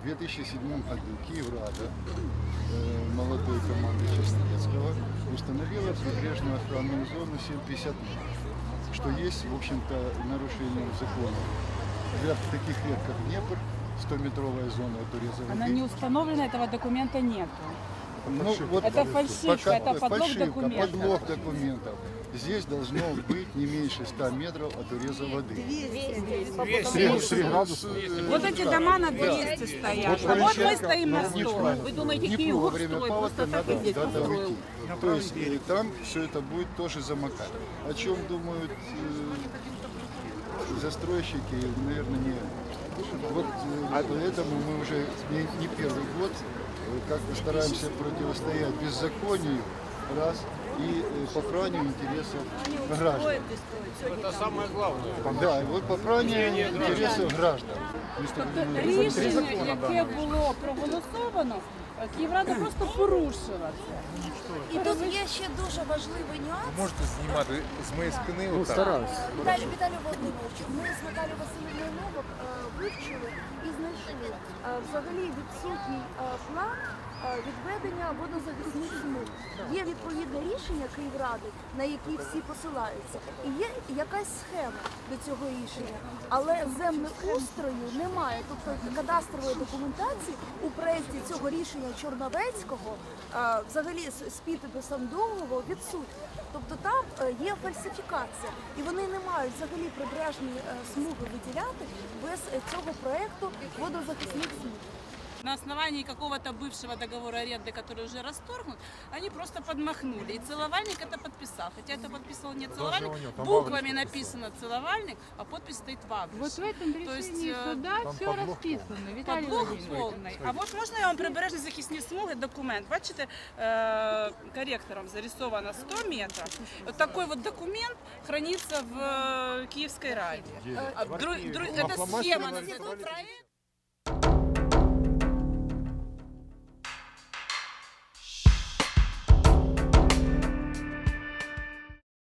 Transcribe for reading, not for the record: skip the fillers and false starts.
2007 году Киеврада, молодой команды Чистецкого, установила прибрежную охранную зону 750 метров, что есть, в общем-то, нарушением закона. В таких рек, как Днепр, 100-метровая зона отреза воды. Она не установлена, этого документа нет. Ну, вот это фальшивка, это подлог документов. Подлог документов. Здесь должно быть не меньше 100 метров от уреза воды. 3 градуса. Вот эти дома на 200 стоят. А вот мы стоим на 100. Вы думаете, Киев во время строит? паводка Просто так надо и здесь куда-то построил. уйти. То есть там все это будет тоже замокать. О чем думают застройщики, наверное, не... Вот поэтому мы уже не первый год как-то стараемся противостоять беззаконию, раз, и попранию интересов граждан. Это самое главное. Да, и вот попранию интересів граждан. Тобто рішення, яке було проголосовано, Київрада просто порушила це. І тут є ще дуже важливий нюанс. Можете знімати з моєї спини отак? Стараюсь. Віталію Володимировичу, ми з Наталією Васильівною Новак вивчили і знайшли взагалі відсутній план відведення водозахисних смуг. Є відповідне рішення Київради, на які всі посилаються, і є якась схема до цього рішення, але землеустрою немає, тобто кадастрової документації у проєкті цього рішення Чорновецького, взагалі з підписом договору відсутні. Тобто там є фальсифікація, і вони не мають взагалі прибережні смуги виділяти без цього проєкту водозахисних смуг. На основании какого-то бывшего договора аренды, который уже расторгнут, они просто подмахнули. И целовальник это подписал. Хотя это подписывал не целовальник, буквами написано целовальник, а подпись стоит Вабрис. Вот в этом решении суда все расписано. Виталий Подлог Владимирович. повний. А от можна я вам прибережні захисні смуги документ? Бачите, корректором зарисовано 100 метров. Вот такой вот документ хранится в Киевской Раде. Это схема, проект.